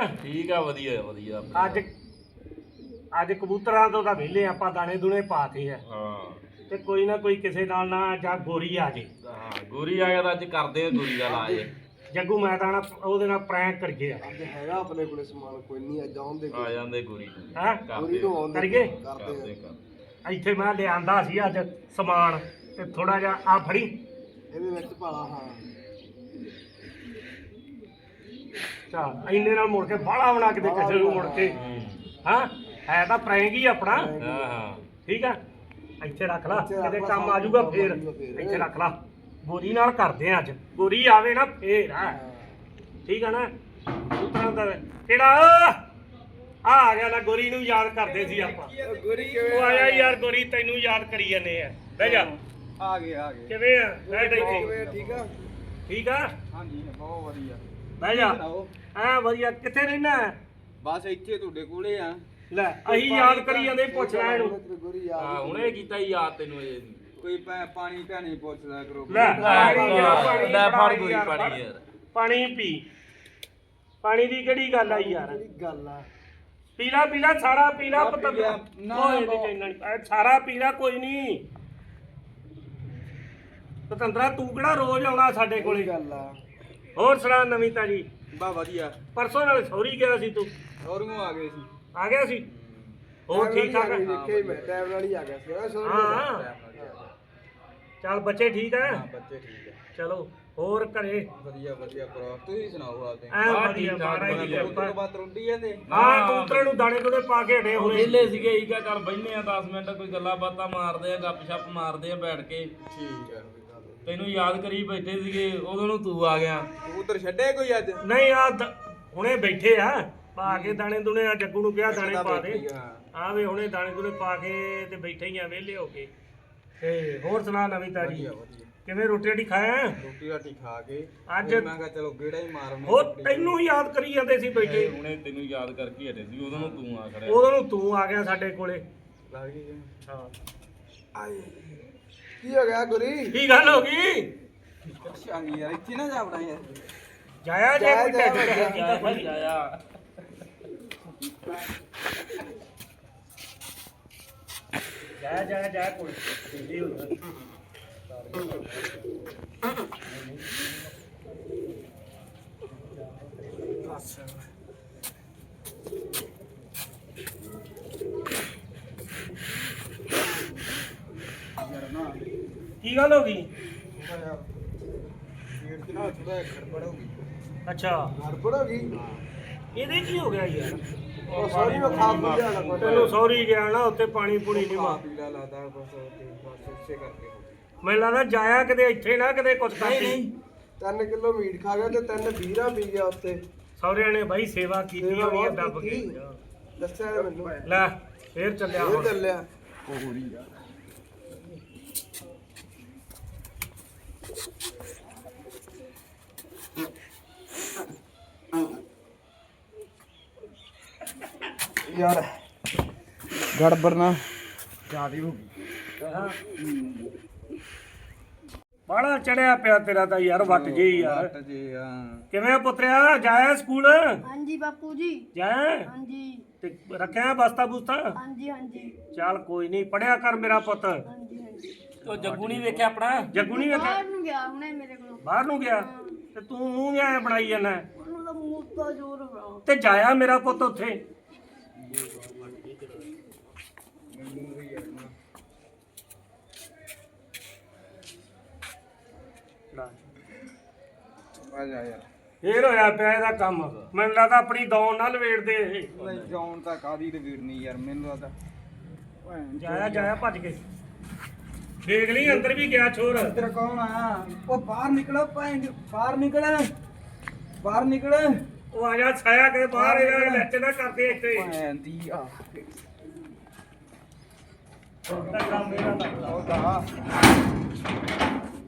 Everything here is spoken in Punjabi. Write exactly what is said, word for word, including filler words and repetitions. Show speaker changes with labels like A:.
A: ਠੀਕ ਆ ਵਧੀਆ ਵਧੀਆ
B: ਅੱਜ ਅੱਜ ਕਬੂਤਰਾਂ ਤੋਂ ਤਾਂ ਵਿਹਲੇ ਆਪਾਂ ਦਾਣੇ ਦੂਣੇ ਪਾਤੇ ਆ
A: ਹਾਂ
B: ਤੇ ਕੋਈ ਨਾ ਕੋਈ ਕਿਸੇ ਨਾਲ ਨਾ ਜਾਂ ਗੋਰੀ ਆ ਜੇ
A: ਹਾਂ ਗੋਰੀ ਆ ਗਿਆ ਤਾਂ ਅੱਜ ਕਰਦੇ ਆ ਗੋਰੀ ਦਾ ਇਲਾਜ
B: ਜੱਗੂ ਮੈਂ ਤਾਂ ਨਾ ਉਹਦੇ ਨਾਲ ਪ੍ਰੈਂਕ ਕਰੀਏ
C: ਅੱਜ ਹੈਗਾ ਆਪਣੇ ਕੋਲੇ ਸਮਾਨ ਕੋਈ ਨਹੀਂ ਅੱਜ ਆਉਂਦੇ
A: ਆ ਜਾਂਦੇ ਗੋਰੀ
B: ਹੈਂ
C: ਗੋਰੀ ਨੂੰ ਆਉਂਦੇ
B: ਕਰੀਏ
C: ਕਰਦੇ ਆ।
B: ਇੱਥੇ ਮੈਂ ਲਿਆਂਦਾ ਸੀ ਅੱਜ ਸਮਾਨ ਤੇ ਥੋੜਾ ਜਿਹਾ ਆ ਫੜੀ
C: ਇਹਦੇ ਵਿੱਚ ਭਾਲਾ ਹਾਂ
B: ਚੱਲ ਇੰਨੇ ਨਾਲ ਮੁੜ ਕੇ ਬਾਹਲਾ ਬਣਾ ਕਿਤੇ ਕਿਸੇ ਨੂੰ ਮੁੜ ਕੇ ਹਾਂ ਹੈ ਤਾਂ ਪ੍ਰੈਂਕ ਹੀ ਆਪਣਾ
A: ਹਾਂ ਹਾਂ
B: ਠੀਕ ਆ ਇੱਥੇ ਰੱਖ ਲਾ ਕਿਤੇ ਕੰਮ ਆ ਜਾਊਗਾ ਫੇਰ ਇੱਥੇ ਰੱਖ ਲਾ ਗੋਰੀ ਨਾਲ ਕਰਦੇ ਆ ਅੱਜ ਗੋਰੀ ਆਵੇ ਨਾ ਫੇਰ ਆ ਠੀਕ ਆ ਨਾ ਉਤਰਾਂ ਦਾ ਕਿਹੜਾ ਆ ਆ ਗਿਆ ਨਾ ਗੋਰੀ ਨੂੰ ਯਾਦ ਕਰਦੇ ਸੀ ਆਪਾਂ
C: ਗੋਰੀ
B: ਉਹ ਆਇਆ ਯਾਰ ਗੋਰੀ ਤੈਨੂੰ ਯਾਦ ਕਰੀ ਜਾਂਦੇ ਆ ਬਹਿ ਜਾ
C: ਆ ਗਏ ਆ ਗਏ
B: ਕਿਵੇਂ ਆ ਬੈਠ ਇੱਥੇ
C: ਠੀਕ ਆ
B: ਠੀਕ ਆ
C: ਹਾਂਜੀ ਬਹੁਤ ਵਧੀਆ
B: ਬਹਿ ਜਾ ਆ ਵਧੀਆ ਕਿੱਥੇ ਰਹਿਣਾ
C: ਬਸ ਇੱਥੇ ਤੁਹਾਡੇ ਕੋਲੇ ਆ
B: ਲੈ ਅਸੀਂ ਯਾਦ ਕਰੀ ਜਾਂਦੇ ਪੁੱਛ ਲੈ ਇਹਨੂੰ
C: ਗੋਰੀ
A: ਹਾਂ ਹੁਣੇ ਕੀਤਾ ਹੀ ਯਾਦ ਤੈਨੂੰ ਅਜੇ
C: ਕੋਈ ਪਾਣੀ ਭੈਣੀ ਪੁੱਛ ਲਿਆ ਕਰੋ
B: ਲੈ ਪਾਣੀ ਯਾਰ, ਪਾਣੀ
A: ਲੈ
B: ਬਣਾ
A: ਫੜ ਗੋਰੀ
B: ਯਾਰ,
A: ਪਾਣੀ ਯਾਰ
B: ਪਾਣੀ ਪੀ ਪਾਣੀ ਦੀ ਕਿਹੜੀ ਗੱਲ ਆ ਯਾਰ
C: ਗੱਲ ਆ
B: ਪੀਲਾ ਪੀਲਾ ਸਾਰਾ ਪੀਲਾ
C: ਆ
B: ਪਤਾ
C: ਪੀ ਲਿਆ, ਨਾ,
B: ਓਏ ਇਹਦੇ
C: ਨਾ।
B: ਚ ਇੰਨਾ ਨੀ- ਇਹ ਸਾਰਾ ਪੀਲਾ ਕੋਈ ਨਹੀਂ ਪਤੰਦਰਾ ਤੂੰ ਕਿਹੜਾ ਰੋਜ਼ ਆਉਣਾ ਸਾਡੇ ਕੋਲੇ
C: ਗੱਲ ਆ
B: ਹੋਰ ਸੁਣਾ ਨਵੀਂ ਤਾਜੀ
C: ਬਾ ਵਧੀਆ
B: ਪਰਸੋਂ ਨਾਲ ਸੌਰੀ ਗਿਆ ਸੀ ਤੂੰ
C: ਹੋਰ ਨੂੰ ਆ ਗਏ ਸੀ
B: ਆ ਗਿਆ ਸੀ ਹੋਰ ਠੀਕ ਠਾਕ ਆ?
C: ਦੇਖਿਆ ਹੀ ਮੈਂ ਟਾਈਮ ਨਾਲ ਹੀ ਆ ਗਿਆ ਸੀ ਨਾ ਸੋਰੀ
B: ਹਾਂ ਚੱਲ ਬੱਚੇ ਠੀਕ ਆ
C: ਹਾਂ ਬੱਚੇ ਠੀਕ ਹੈ
B: ਚਲੋ ਹੋਰ ਘਰੇ
C: ਵਧੀਆ ਵਧੀਆ ਭਰਾ ਤੁਸੀਂ ਸੁਣਾਓ ਆਪਦੇ
B: ਐ
A: ਹਾਂ,
B: ਵਧੀਆ
A: ਠੀਕ ਠਾਕ,
B: ਮਾਰਾ
A: ਵਧੀਆ,
C: ਉਸ ਤੋਂ ਬਾਅਦ ਰੁੰਡੀ ਹੈ ਤੇ
B: ਹਾਂ ਕਬੂਤਰਾਂ ਨੂੰ ਦਾਣੇ ਦੂਣੇ ਪਾ ਕੇ ਹਟੇ ਹੋਏ
A: ਵਿਹਲੇ ਸੀਗੇ ਹੀ ਕਾ ਚੱਲ ਬੈਠਨੇ ਆ ਦਸ ਮਿੰਟ ਕੋਈ ਗੱਲਾਂ ਬਾਤਾਂ ਮਾਰਦੇ ਆ ਗੱਪ ਛੱਪ ਮਾਰਦੇ ਆ ਬੈਠ ਕੇ
C: ਠੀਕ ਹੈ
A: ਤੈਨੂੰ ਯਾਦ ਕਰੀ ਬੈਠੇ ਸੀਗੇ ਉਦੋਂ ਨੂੰ ਤੂੰ ਆ ਗਿਆ
C: ਕਬੂਤਰ ਛੱਡੇ ਕੋਈ ਅੱਜ
B: ਨਹੀਂ ਆ ਹੁਣੇ ਬੈਠੇ ਆ ਪਾ ਕੇ ਦਾਣੇ ਦੁਣੇ ਆ ਜੱਗੂ ਨੂੰ ਕਿਹਾ ਦਾਣੇ ਪਾ ਦੇ ਆ ਵੇ ਹੁਣੇ ਦਾਣੇ ਦੁਣੇ ਪਾ ਕੇ ਤੇ ਬੈਠੇ ਹੀ ਆ ਵਿਹਲੇ ਹੋ ਕੇ ਤੇ ਹੋਰ ਸੁਣਾ ਨਵੀਂ ਤਾਜੀ ਕਿਵੇਂ ਰੋਟੀ ਰਾਟੀ ਖਾਇਆ
C: ਰੋਟੀ ਰਾਟੀ ਖਾ ਕੇ
B: ਅੱਜ
C: ਮੈਂ ਕਿਹਾ ਚਲੋ ਗੇੜਾ ਹੀ ਮਾਰਨੇ
B: ਉਹ ਤੈਨੂੰ ਯਾਦ ਕਰੀ ਜਾਂਦੇ ਸੀ ਬੈਠੇ
A: ਹੁਣੇ ਤੈਨੂੰ ਯਾਦ ਕਰਕੇ ਹਟੇ ਸੀ ਉਦੋਂ ਨੂੰ ਤੂੰ ਆ ਖੜਿਆ
B: ਉਦੋਂ ਨੂੰ ਤੂੰ ਆ ਗਿਆ ਸਾਡੇ ਕੋਲੇ
C: ਲੱਗ ਗਈ
B: ਹਾਂ
C: ਆਏ ਕੀ ਹੋ ਗਿਆ ਗੁਰੀ
B: ਕੀ ਗੱਲ ਹੋ ਗਈ
C: ਅੱਛਾ ਨਹੀਂ ਯਾਰ ਇੱਥੇ ਨਾ ਜਾ ਬੜਾ ਯਾਰ
B: ਜਾਇਆ ਜੇ ਕੋਈ
C: ਜਾਇਆ,
B: ਢਿੱਡ
C: ਜਾਇਆ,
B: ਕੀਤਾ ਕੋਈ
A: ਆਇਆ
B: ਜਾਇਆ ਜਾਇਆ ਜਾਇਆ ਕੋਈ ਕੀ ਗੱਲ ਹੋ ਗਈ
C: ਪੇਟ ਚ ਨਾ ਥੋੜਾ ਗੜਬੜ ਹੋ ਗਈ
B: ਅੱਛਾ
C: ਗੜਬੜ ਹੋ ਗਈ
B: ਇਹਦੇ ਕੀ ਹੋ ਗਿਆ ਯਾਰ
C: ਉਹ ਸੌਰੀ ਮੈਂ ਖਾ ਪੀ ਲਿਆ ਨਾ
B: ਤੈਨੂੰ ਸੌਰੀ ਗਿਆ ਨਾ ਉੱਥੇ ਪਾਣੀ ਪੂਣੀ ਨਹੀਂ ਮਾ
C: ਪੀਲਾ ਲਾਦਾ ਬਸ ਤੇ ਬਸ ਉਸੇ ਕਰਕੇ ਹੋ ਗਿਆ।
B: ਮੈਨੂੰ ਲੱਗਦਾ ਜਾਇਆ ਕਿਤੇ ਇੱਥੇ ਨਾ ਕਿਤੇ ਕੁਝ ਕਰਦੀ
C: ਤਿੰਨ ਕਿਲੋ ਮੀਟ ਖਾ ਗਿਆ ਤੇ ਤਿੰਨ ਵੀਰਾ ਪੀ ਗਿਆ ਉੱਤੇ
B: ਸੌਰਿਆਂ ਨੇ ਬਾਈ ਸੇਵਾ ਕੀਤੀ
C: ਸੇਵਾ
B: ਹੋਣੀ ਆ
C: ਬਹੁਤ
B: ਦੱਬ ਕੇ
C: ਕੀਤੀ। ਦੱਸਿਆ ਨੀ ਮੈਨੂੰ
B: ਲੈ ਫੇਰ ਚੱਲਿਆ
C: ਉਹ
B: ਹੁਣ
C: ਚੱਲਿਆ ਉਹ ਹੋਰੀ ਆ ਯਾਰ ਗੜਬੜ ਨਾ ਜਿਆਦੀ ਹੋ ਗਈ
B: ਬਾਹਲਾ ਚੜਿਆ ਪਿਆ ਤੇਰਾ ਤਾਂ ਯਾਰ ਵੱਟ ਜੇ ਯਾਰ
C: ਵੱਟ ਜੇ ਆ
B: ਕਿਵੇਂ ਪੁੱਤਰਿਆ ਜਾਇਆ ਸਕੂਲ
D: ਹਾਂਜੀ ਬਾਪੂ ਜੀ
B: ਜਾਇਆ
D: ਹਾਂਜੀ
B: ਤੇ ਰੱਖਿਆ ਬਸਤਾ ਬੁਸਤਾ
D: ਹਾਂਜੀ ਹਾਂਜੀ
B: ਚੱਲ ਕੋਈ ਨਹੀਂ ਪੜਿਆ ਕਰ ਮੇਰਾ ਪੁੱਤ
D: ਹਾਂਜੀ ਹਾਂਜੀ
A: ਉਹ ਜੱਗੂ ਨਹੀਂ ਵੇਖਿਆ ਆਪਣਾ
B: ਜੱਗੂ ਨਹੀਂ ਵੇਖਿਆ
D: ਬਾਹਰ ਨੂੰ ਗਿਆ ਹੁਣੇ ਮੇਰੇ ਕੋਲ
B: ਬਾਹਰ ਨੂੰ ਗਿਆ ਤੇ ਤੂੰ ਮੂੰਹ ਐ ਬਣਾਈ ਜਾਂਦਾ
D: ਉਹਨੂੰ ਤਾਂ ਮੂੰਹ ਤੋਂ ਜ਼ੋਰ ਬਣਾ
B: ਤੇ ਜਾਇਆ ਮੇਰਾ ਪੁੱਤ ਉੱਥੇ
C: ਆ ਜਾ ਯਾਰ
B: ਫੇਰ ਹੋਇਆ ਪਿਆ ਇਹਦਾ ਕੰਮ ਮੈਨੂੰ ਲੱਗਦਾ ਆਪਣੀ ਦੌਣ ਨਾਲ ਵੇੜਦੇ ਇਹ
C: ਨਹੀਂ ਜਾਉਣ ਤਾਂ ਕਾਦੀ ਤੇ ਵੀਰ ਨਹੀਂ ਯਾਰ ਮੈਨੂੰ ਲੱਗਦਾ
B: ਜਾਇਆ ਜਾਇਆ ਭੱਜ ਕੇ ਦੇਖ ਲਈ ਅੰਦਰ ਵੀ ਗਿਆ ਛੋਰ
C: ਤੇਰਾ ਕੌਣ ਆ ਉਹ ਬਾਹਰ ਨਿਕਲੋ ਭੈਣ ਬਾਹਰ ਨਿਕਲ ਬਾਹਰ ਨਿਕਲ
B: ਉਹ ਆ ਜਾ ਛਾਇਆ ਕੇ ਬਾਹਰ ਇਹਨਾਂ ਲੈਚ ਨਾ ਕਰਦੇ ਇੱਥੇ
C: ਭੈਣ ਦੀ ਆ
B: ਉਹਦਾ ਕੰਮ ਇਹਦਾ ਲੱਗਦਾ
C: ਉਹਦਾ